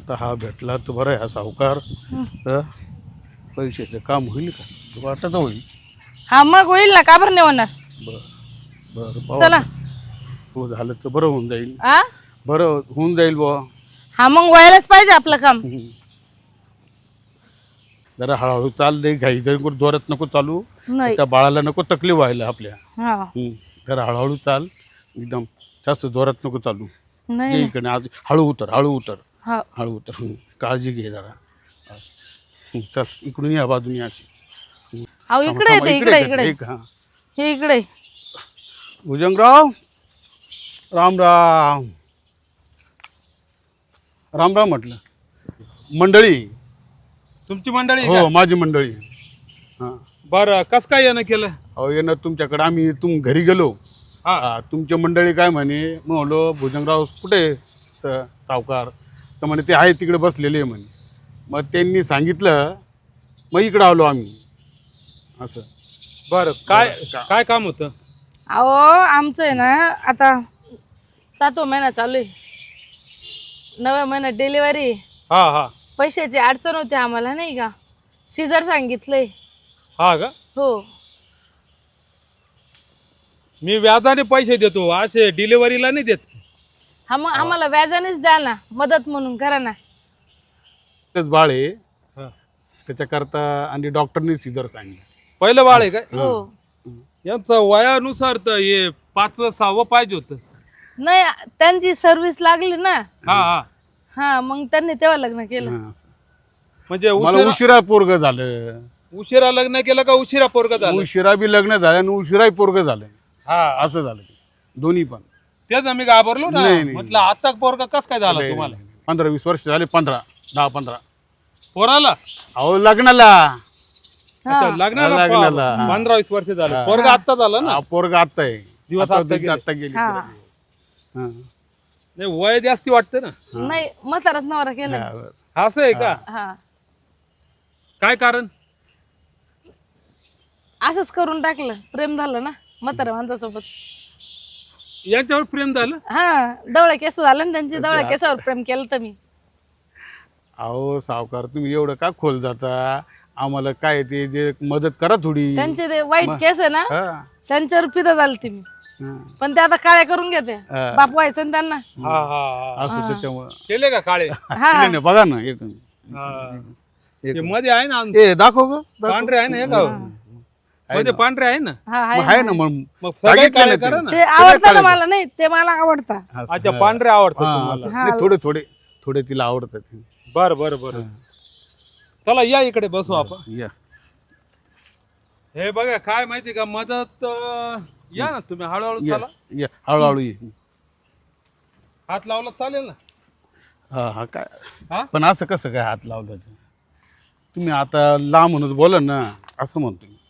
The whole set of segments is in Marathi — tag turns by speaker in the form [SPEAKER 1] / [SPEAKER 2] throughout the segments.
[SPEAKER 1] आता हा भेटला तर बरं आहे हा सावकार. पैशाचं काम होईल का? वाटत होईल.
[SPEAKER 2] हा मग होईल ना, का बरं नाही होणार.
[SPEAKER 1] बरं पाहू
[SPEAKER 2] चला.
[SPEAKER 1] आता. हो झालं तर बरं होऊन जाईल.
[SPEAKER 2] आ
[SPEAKER 1] बरं होऊन जाईल बुवा.
[SPEAKER 2] हा मग व्हायलाच पाहिजे आपलं काम.
[SPEAKER 1] जरा हळूहळू चाल दे, घाई जरी जोरात नको चालू.
[SPEAKER 2] नाही.
[SPEAKER 1] त्या बाळाला नको तकलीफ व्हायला आपल्या.
[SPEAKER 2] हा
[SPEAKER 1] जरा हळूहळू चाल, एकदम जास्त जोरात नको चालू.
[SPEAKER 2] नाही
[SPEAKER 1] ये
[SPEAKER 2] नाही.
[SPEAKER 1] इकडे आज हळू उतर, हळू उतर,
[SPEAKER 2] हा
[SPEAKER 1] हळू उतर. काळजी घे जरा. चल इकडून या बाजून याची.
[SPEAKER 2] अहो इकडे येते, इकडे इकडे
[SPEAKER 1] हा
[SPEAKER 2] हे इकडे.
[SPEAKER 1] भुजंगराव, राम राम. राम राम म्हटलं. मंडळी.
[SPEAKER 3] तुमची मंडळी
[SPEAKER 1] हो माझी मंडळी. हां
[SPEAKER 3] बरं, कस काय येणं केलं?
[SPEAKER 1] अहो येणार तुमच्याकडे. आम्ही घरी गेलो. तुमच्या मंडळी काय म्हणे, मग म्हणलो भुजंगराव कुठे सावकार? तर म्हणे ते आहे तिकडे बसलेले म्हणे. मग त्यांनी सांगितलं, मग इकडं आलो आम्ही असं.
[SPEAKER 3] बरं, काय काय काम होतं?
[SPEAKER 2] अहो आमचं आहे ना, आता 7वा महिना चालू आहे. 9व्या महिन्यात डिलिव्हरी.
[SPEAKER 3] हा हा
[SPEAKER 2] पैशाची अडचण होती आम्हाला, नाही का. सीझर सांगितलंय.
[SPEAKER 3] हा का?
[SPEAKER 2] हो.
[SPEAKER 3] मी व्याजाने पैसे देतो, असे डिलिव्हरीला नाही देत.
[SPEAKER 2] हा मग आम्हाला व्याजानेच द्या ना, मदत म्हणून करा ना.
[SPEAKER 1] तेच बाळ आहे
[SPEAKER 3] हा.
[SPEAKER 1] त्याच्याकरता. आणि डॉक्टरने सिजर सांगितलं.
[SPEAKER 3] पहिलं बाळ आहे काय?
[SPEAKER 2] हो.
[SPEAKER 3] यांचं वयानुसार तर हे 5वं 6वं पाहिजे होतं.
[SPEAKER 2] नाही, त्यांची सर्व्हिस लागली ना.
[SPEAKER 3] हा हा
[SPEAKER 2] हा मग त्यांनी तेव्हा लग्न केलं.
[SPEAKER 1] हां.
[SPEAKER 3] म्हणजे
[SPEAKER 1] मला उशिरा पोरग झालं.
[SPEAKER 3] उशिरा लग्न केलं का उशिरा पोरग झालं?
[SPEAKER 1] उशिरा बी लग्न झालं आणि उशिराही पोरग झालं.
[SPEAKER 3] हा
[SPEAKER 1] असं झालं ते. दोन्ही पण.
[SPEAKER 3] तेच आम्ही घाबरलो ना.
[SPEAKER 1] नाही, नाही.
[SPEAKER 3] म्हटलं आता पोरगा कस काय झाला तुम्हाला?
[SPEAKER 1] 15-20 वर्ष झाले. 10-15.
[SPEAKER 3] पोराला
[SPEAKER 1] अहो लग्नाला.
[SPEAKER 3] अच्छा, लग्नाला
[SPEAKER 1] लग्नाला.
[SPEAKER 3] 15-20 वर्ष झालं. पोरगा आता झाला ना.
[SPEAKER 1] पोरग आत्ता आहे.
[SPEAKER 3] दिवस
[SPEAKER 1] आता
[SPEAKER 3] आता
[SPEAKER 1] गेली.
[SPEAKER 2] हा.
[SPEAKER 1] हां.
[SPEAKER 3] नाही, वय जास्ती वाटतं ना.
[SPEAKER 2] नाही, म्हाताराच नवरा केलं.
[SPEAKER 3] असं आहे का?
[SPEAKER 2] हा
[SPEAKER 3] काय कारण?
[SPEAKER 2] असंच करून टाकलं. प्रेम झालं ना म्हातारा माणसासोबत.
[SPEAKER 3] यांच्यावर प्रेम झालं?
[SPEAKER 2] हा डवळ्या केस झालं ना त्यांची. डवळ्या केसावर प्रेम केलं तर मी.
[SPEAKER 1] अहो सावकार तुम्ही एवढं का खोल जाता? आम्हाला काय ते जे मदत करा थोडी.
[SPEAKER 2] त्यांचे ते वाईट केस आहे ना,
[SPEAKER 1] हा.
[SPEAKER 2] त्यांच्यावर पिता झाली ती मी.
[SPEAKER 1] हा.
[SPEAKER 2] पण ते आता काळ्या करून घेते. बाप व्हायचं ना त्यांना.
[SPEAKER 3] हा हा
[SPEAKER 1] असं त्याच्यामुळं.
[SPEAKER 3] केले का काळे?
[SPEAKER 2] हा
[SPEAKER 1] नाही, नाही, बघा ना एक.
[SPEAKER 3] ते मध्ये आहे ना,
[SPEAKER 1] ए दाखव ग.
[SPEAKER 3] पांढरे आहे ना हे का? मध्ये पांढरे आहे ना.
[SPEAKER 2] हा
[SPEAKER 1] आहे ना मग.
[SPEAKER 3] मग सगळे
[SPEAKER 1] सांगितलं
[SPEAKER 3] काळे
[SPEAKER 1] ना
[SPEAKER 3] करा
[SPEAKER 1] ते.
[SPEAKER 3] ना.
[SPEAKER 2] ते आवडतं ना मला. नाही ते मला आवडतं.
[SPEAKER 3] अच्छा, पांढरे आवडतात
[SPEAKER 1] हा,
[SPEAKER 3] तुम्हाला.
[SPEAKER 1] असं. नाही, थोडे थोडे थोडे तिला आवडतात.
[SPEAKER 3] बर बर बर. चला या इकडे बसू आपण.
[SPEAKER 1] या.
[SPEAKER 3] हे बघा काय माहिती का, मदत या ना तुम्ही, हळूहळू
[SPEAKER 1] या,
[SPEAKER 3] चला.
[SPEAKER 1] या. हळूहळू ये.
[SPEAKER 3] हात लावला चालेल ना?
[SPEAKER 1] हा हा काय.
[SPEAKER 3] हा
[SPEAKER 1] पण असं कसं काय हात लावल्याचं? तुम्ही आता लांब म्हणून बोला ना, असं म्हणतो मी.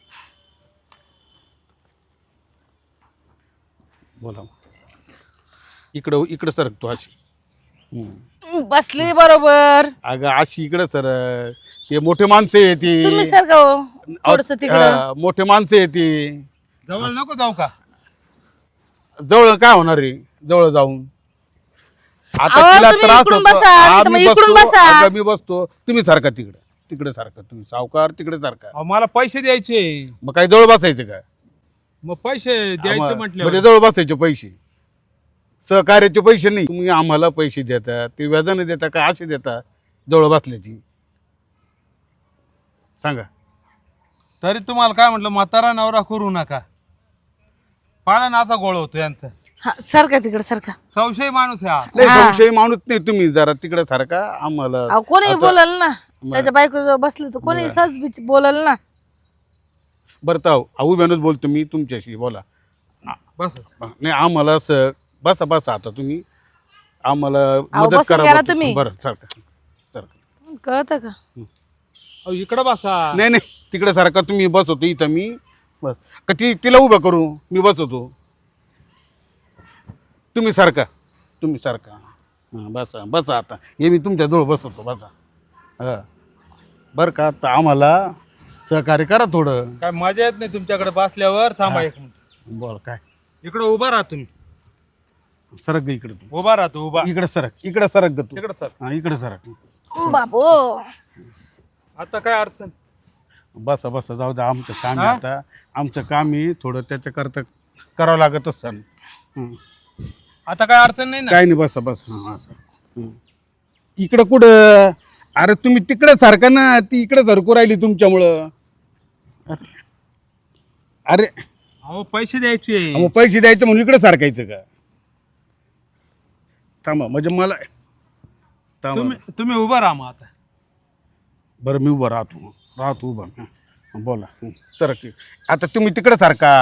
[SPEAKER 1] बोला. इकडं इकडं सरकतो अशी.
[SPEAKER 2] बसली बरोबर.
[SPEAKER 1] अगं अशी इकडं सर. ते मोठे माणसं येते.
[SPEAKER 2] तुम्ही सारखं हो थोडस तिकडं.
[SPEAKER 1] मोठे माणसं येते.
[SPEAKER 3] जवळ नको जाऊ का?
[SPEAKER 1] जवळ काय होणार रे जवळ जाऊन? आता
[SPEAKER 2] अहो,
[SPEAKER 1] तिला
[SPEAKER 2] तुम्ही
[SPEAKER 1] त्रास
[SPEAKER 2] इकडून
[SPEAKER 1] होतो.
[SPEAKER 2] बसा, नाही तर
[SPEAKER 1] आम्ही
[SPEAKER 2] मग इकडून
[SPEAKER 1] बसतो.
[SPEAKER 2] बसा.
[SPEAKER 1] अगं मी बसतो. तुम्ही सारखा तिकडे तिकडे सारखा. तुम्ही सावकार तिकडे सारखा.
[SPEAKER 3] अहो, मला पैसे द्यायचे.
[SPEAKER 1] मग काय जवळ बसायचं काय?
[SPEAKER 3] मग पैसे द्यायचे म्हटले.
[SPEAKER 1] म्हणजे जवळ बसायचे पैसे. सहकार्याचे पैसे नाही. तुम्ही आम्हाला पैसे देता, ते व्याजाने देता का असे देता जवळ बसल्याची? सांगा.
[SPEAKER 3] तरी तुम्हाला काय म्हटलं, म्हातारा नवरा करू नका. पाळा नाचा गोळ होतो यांचा.
[SPEAKER 2] हा सारखा तिकडं सारखा.
[SPEAKER 3] संशय माणूस आहे हा.
[SPEAKER 1] नाही संशय माणूस नाही. तुम्ही जरा तिकडे सारखा आम्हाला.
[SPEAKER 2] अहो कोणी बोलल ना, त्याच्या बायको जवळ बसलं तर कोणी सहज बीच बोलल ना.
[SPEAKER 1] बरं तर उभ्यानच बोलतो मी तुमच्याशी. बोला.
[SPEAKER 3] बस
[SPEAKER 1] नाही आम्हाला बसा बसा आता तुम्ही आम्हाला मदत
[SPEAKER 2] बसून
[SPEAKER 1] करा
[SPEAKER 2] घ्या ना
[SPEAKER 1] बरं.
[SPEAKER 2] तुम्ही.
[SPEAKER 1] बरं सारखा सारखा.
[SPEAKER 2] कळतं का?
[SPEAKER 3] इकडं बसा.
[SPEAKER 1] नाही नाही तिकडे सारखा तुम्ही बसवतो इथं मी. बस का तिला उभं करू मी बसवतो. तुम्ही सारखा. तुम्ही सारखा. हां बसा बसा आता. हे मी तुमच्याजवळ बसवतो. बसा. हां बरं का. आता आम्हाला सहकार्य करा थोडं.
[SPEAKER 3] काय मजा येत नाही तुमच्याकडे बसल्यावर. थांबा एक मिनिट.
[SPEAKER 1] बोल काय.
[SPEAKER 3] इकडं उभा राहा तुम्ही.
[SPEAKER 1] सरक ग इकडे तू.
[SPEAKER 3] उभा राहतो उभा.
[SPEAKER 1] इकडे सरक. इकडे सरक ग तू.
[SPEAKER 3] तिकडं सर.
[SPEAKER 1] हां इकडे सरक.
[SPEAKER 2] बाबो
[SPEAKER 3] आता काय अडचण?
[SPEAKER 1] बसा बसा जाऊ द्या, आमचं काम आहे आता. आमचं काम आहे थोडं, त्याच्याकरता करावं लागत असतं.
[SPEAKER 3] आता काय अडचण नाही ना?
[SPEAKER 1] काय नाही, बसा बसा. हां असं इकडं कुठं? अरे तुम्ही तिकडं सारखा ना, ती इकडं सरकू राहिली तुमच्यामुळं. अरे
[SPEAKER 3] अहो पैसे द्यायचे.
[SPEAKER 1] मग पैसे द्यायचे म्हणून इकडं सारखायचं का? थांबा म्हणजे मला थांबा.
[SPEAKER 3] तुम्ही उभा राहा मग आता.
[SPEAKER 1] बरं मी उभं राहतो उभा. हां बोला. सर आता तुम्ही तिकडं सारखा,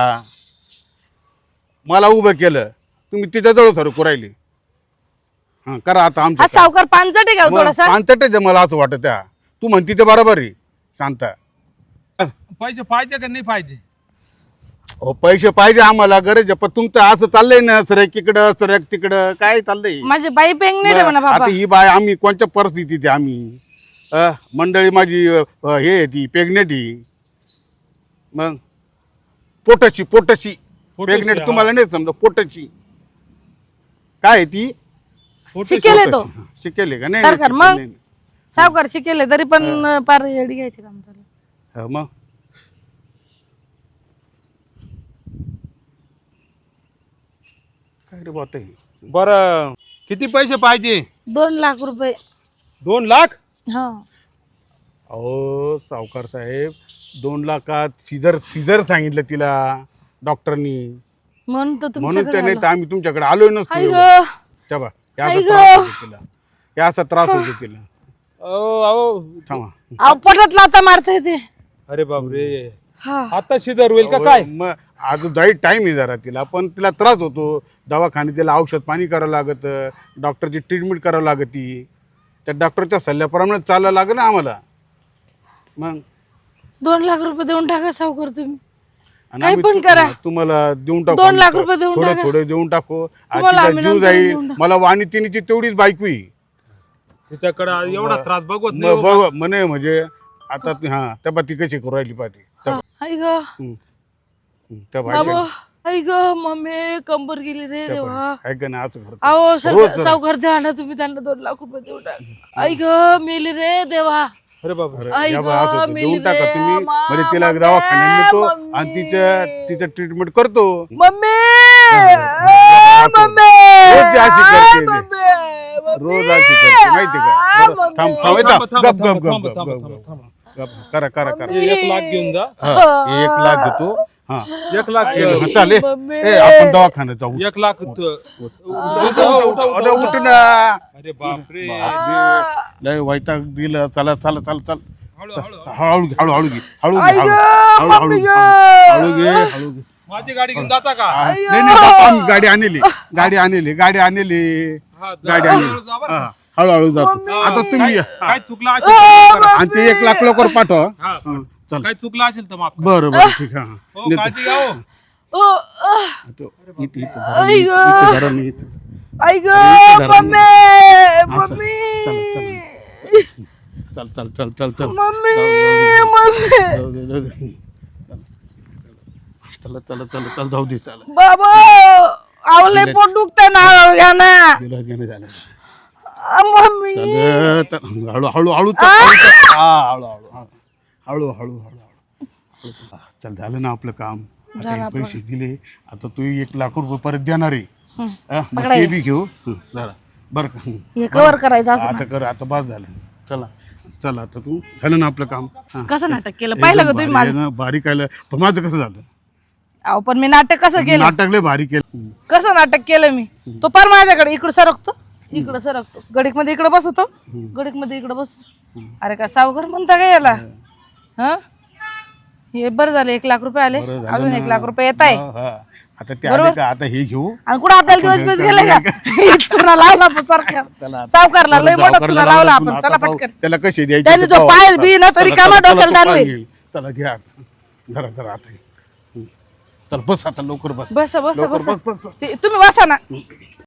[SPEAKER 1] मला उभं केलं, तुम्ही तिच्याजवळ सरकू राहिली. हां करा आता आमचं
[SPEAKER 2] हा सावकार पानचट आहे का हो थोडासा?
[SPEAKER 1] पानचटच आहे मला असं वाटत. त्या तू म्हणती ते बरोबर आहे. शांता
[SPEAKER 3] पैसे पाहिजे का नाही पाहिजे?
[SPEAKER 1] हो पैसे पाहिजे आम्हाला, गरज आहे. पण तुमचं असं चाललंय ना, सरक इकडं सरक तिकडं, काय चाललंय?
[SPEAKER 2] माझी बाई प्रेग्नेंट आहे म्हणा बाबा.
[SPEAKER 1] आता ही बाय आम्ही कोणत्या परिस्थितीत आहे आम्ही? मंडळी माझी हे आहे ती प्रेग्नेंट आहे. मग पोटाची प्रेग्नेंट तुम्हाला नाही समजा, पोटाची काय आहे ती?
[SPEAKER 2] शिकेल आहे तो
[SPEAKER 1] शिकेल आहे का? नाही
[SPEAKER 2] सरकार
[SPEAKER 1] नाही,
[SPEAKER 2] मग
[SPEAKER 1] नाही, नाही.
[SPEAKER 2] सावकार शिकेले तरी पण पार येडी घ्यायची काम चालू.
[SPEAKER 1] मग काय रे बात आहे?
[SPEAKER 3] बरं किती पैसे पाहिजे?
[SPEAKER 2] 2 लाख रुपये.
[SPEAKER 3] 2 लाख?
[SPEAKER 2] हा
[SPEAKER 1] अहो सावकार साहेब, 2 लाखात सीझर सांगितलं तिला डॉक्टरनी,
[SPEAKER 2] म्हणून तर
[SPEAKER 1] म्हणून
[SPEAKER 2] तुमच्याकडे
[SPEAKER 1] त्याने
[SPEAKER 2] आलो.
[SPEAKER 1] तर आम्ही तुमच्याकडे आलोय नसतो.
[SPEAKER 2] आई
[SPEAKER 1] एवढं.
[SPEAKER 2] गं,
[SPEAKER 1] तेव्हा
[SPEAKER 2] आई
[SPEAKER 1] याचा
[SPEAKER 2] गं.
[SPEAKER 1] त्रास होतो तिला, याचा त्रास होतो तिला.
[SPEAKER 3] अहो
[SPEAKER 1] थांबा.
[SPEAKER 2] अहो पोटात लाथा मारता येते.
[SPEAKER 3] अरे बापरे,
[SPEAKER 2] हा
[SPEAKER 3] आता शिदर होईल का काय?
[SPEAKER 1] मग अजून जाईल टाइम आहे जरा तिला, पण तिला त्रास होतो. दवाखान्यात तिला औषध पाणी करावं लागत, डॉक्टरची ट्रीटमेंट करावं लागती. त्या डॉक्टरच्या सल्ल्याप्रमाणे चालायला लागलं ना आम्हाला. मग
[SPEAKER 2] 2 लाख रुपये देऊन टाका सावकार तुम्ही.
[SPEAKER 1] आणि
[SPEAKER 2] काही
[SPEAKER 1] आम्ही
[SPEAKER 2] पण करा.
[SPEAKER 1] तुम्हाला देऊन टाकू.
[SPEAKER 2] 2 लाख रुपये देऊन
[SPEAKER 1] थोडे
[SPEAKER 2] टाका.
[SPEAKER 1] थोडे देऊन टाकू.
[SPEAKER 2] तुम्हाला
[SPEAKER 1] तिचा
[SPEAKER 2] आम्ही
[SPEAKER 1] जीव
[SPEAKER 2] नंतर
[SPEAKER 1] जाईल.
[SPEAKER 2] देऊन टाकू.
[SPEAKER 1] मला वाणी तिनीची तेवढीच बायको आहे.
[SPEAKER 3] तिच्याकडे एवढा त्रास बघत नाही हो.
[SPEAKER 1] बघ म्हणे म्हणजे आता हा त्या ती कशी करू राहिली पाहिजे.
[SPEAKER 2] आई ग
[SPEAKER 1] त्या
[SPEAKER 2] बाबा,
[SPEAKER 1] बाई
[SPEAKER 2] आई ग मम्मी कंबर गेली रे देवा.
[SPEAKER 1] ऐक ना असं करतो.
[SPEAKER 2] अहो
[SPEAKER 1] रोज
[SPEAKER 2] सर
[SPEAKER 1] जरा.
[SPEAKER 2] सावकार द्या ना तुम्ही त्यांना 2 लाख रुपये देऊन टाका. आई ग मेली रे देवा.
[SPEAKER 3] अरे बापरे,
[SPEAKER 2] आई
[SPEAKER 1] या
[SPEAKER 2] गं,
[SPEAKER 1] बा, असं होतं.
[SPEAKER 2] मेली
[SPEAKER 1] देऊन टाका
[SPEAKER 2] रे,
[SPEAKER 1] तुम्ही.
[SPEAKER 2] मा,
[SPEAKER 1] म्हणजे तिला
[SPEAKER 2] मम्मी,
[SPEAKER 1] दवाखान्यात नेतो
[SPEAKER 2] मम्मी.
[SPEAKER 1] आणि तिचं ट्रीटमेंट करतो.
[SPEAKER 2] मम्मी मम्मी
[SPEAKER 1] रोज अशी करते ती.
[SPEAKER 2] मम्मी
[SPEAKER 1] रोज अशी करते माहिती का? बरं,
[SPEAKER 2] मम्मी.
[SPEAKER 1] थांब थांब
[SPEAKER 3] थांबा,
[SPEAKER 1] येता.
[SPEAKER 3] थांबा,
[SPEAKER 1] गप गप
[SPEAKER 3] थांबा,
[SPEAKER 1] गप
[SPEAKER 3] थांबा,
[SPEAKER 1] गप
[SPEAKER 3] थांबा,
[SPEAKER 1] गप
[SPEAKER 3] थांबा.
[SPEAKER 1] गप. करा करा करा.
[SPEAKER 3] हे 1 लाख घेऊन जा.
[SPEAKER 1] हा, 1 लाख घेतो. हा
[SPEAKER 3] 1 लाख
[SPEAKER 1] हा, चालेल.
[SPEAKER 2] मम्मी.
[SPEAKER 1] आपण दवाखान्यात जाऊ.
[SPEAKER 3] 1 लाख
[SPEAKER 1] अरे उठ ना.
[SPEAKER 3] अरे बापरे,
[SPEAKER 1] लय वैताग दिलं. चला चला चला चल.
[SPEAKER 3] हळू हळू
[SPEAKER 1] हळू घे हळू घे हळू घे
[SPEAKER 2] आई
[SPEAKER 1] हळू
[SPEAKER 2] गं,
[SPEAKER 1] हळू हळू
[SPEAKER 2] मम्मी गं.
[SPEAKER 1] हळू घे हळू घे.
[SPEAKER 3] माझी गाडी घेऊन जाता का?
[SPEAKER 1] नाही नाही जातो आम्ही. गाडी आणली गाडी आणली गाडी आणली
[SPEAKER 3] हा, जा,
[SPEAKER 1] गाडी
[SPEAKER 3] हळू
[SPEAKER 1] आणली.
[SPEAKER 3] हळू जा बरं.
[SPEAKER 1] हा, हळूहळू जातो. आता तुम्ही या.
[SPEAKER 3] काय चुकलं असेल तर करा.
[SPEAKER 1] आणि ते 1 लाख लवकर पाठवा.
[SPEAKER 3] हा,
[SPEAKER 1] हा, चल
[SPEAKER 3] काय चुकलं असेल तर माफ करा.
[SPEAKER 1] बरं बरं ठीक आहे.
[SPEAKER 3] हो, काळजी घ्या हो.
[SPEAKER 2] ओ,
[SPEAKER 1] इथं इथं
[SPEAKER 2] आई गं.
[SPEAKER 1] इथं धरा नाही इथं.
[SPEAKER 2] आई ग
[SPEAKER 1] इथं धरा
[SPEAKER 2] मम्मी
[SPEAKER 1] असं.
[SPEAKER 2] मम्मी
[SPEAKER 1] चल चल चल चल चल
[SPEAKER 2] मम्मी मम्मी
[SPEAKER 1] जाऊ दे, जाऊ दे. चला चला चला चल जाऊ दे चला.
[SPEAKER 2] बाबा आवले पोट दुखतंय ना घ्या ना
[SPEAKER 1] विलास घेणं झालं.
[SPEAKER 2] मम्मी
[SPEAKER 1] चल चल. हळू हळू हळू चल. हा हळू हळू हळू हळू हळू. चल झालं ना आपलं काम. आता हे पैसे दिले. आता तू 1 लाख रुपये परत देणार आहे. हा, मग ते बी घेऊ. जरा बरं का.
[SPEAKER 2] हे कवर करायचं असं
[SPEAKER 1] आता कर. आता बस झालं. चला चला आता तू झालं ना आपलं काम. हा.
[SPEAKER 2] कसं नाटक केलं पाहिलं का तुम्ही
[SPEAKER 1] भारी
[SPEAKER 2] माझं?
[SPEAKER 1] आहे ना, भारी केलं. पण माझं कसं झालं?
[SPEAKER 2] अहो पण मी नाटक कसं केलं?
[SPEAKER 1] नाटक लय भारी केलं.
[SPEAKER 2] कसं नाटक केलं मी? तो पार माझ्याकडे इकडं सरकतो इकडं सरकतो, गडीक मध्ये इकडे बसवतो, गडीक मध्ये इकडे बसतो. अरे का सावकार म्हणता का याला? हा हे बरं झालं 1 लाख रुपये आले.
[SPEAKER 1] बरं झालं
[SPEAKER 2] अजून
[SPEAKER 1] ना.
[SPEAKER 2] 1 लाख रुपये येत आहे.
[SPEAKER 1] हा. आता ते आले का? आता हे घेऊ.
[SPEAKER 2] आणि कुठं आपल्याला दिवस दिवस गेले का? चुना लावला आपण सारख्या सावकारला लय मोठा चुना लावला आपण. चला पटकन.
[SPEAKER 1] त्याला कसे द्यायचे
[SPEAKER 2] त्याने
[SPEAKER 1] ते
[SPEAKER 2] जो
[SPEAKER 1] पाहू.
[SPEAKER 2] पाय बी ना तरी
[SPEAKER 1] चला,
[SPEAKER 2] कामा
[SPEAKER 1] चला,
[SPEAKER 2] डोक्याला
[SPEAKER 1] चला,
[SPEAKER 2] ताण होईल.
[SPEAKER 1] चला घ्या जरा जरा आता. चल बस आता लवकर बस.
[SPEAKER 2] बस बस
[SPEAKER 1] लवकर
[SPEAKER 2] बस
[SPEAKER 1] बस, बस, बस.
[SPEAKER 2] तुम्ही बसा ना.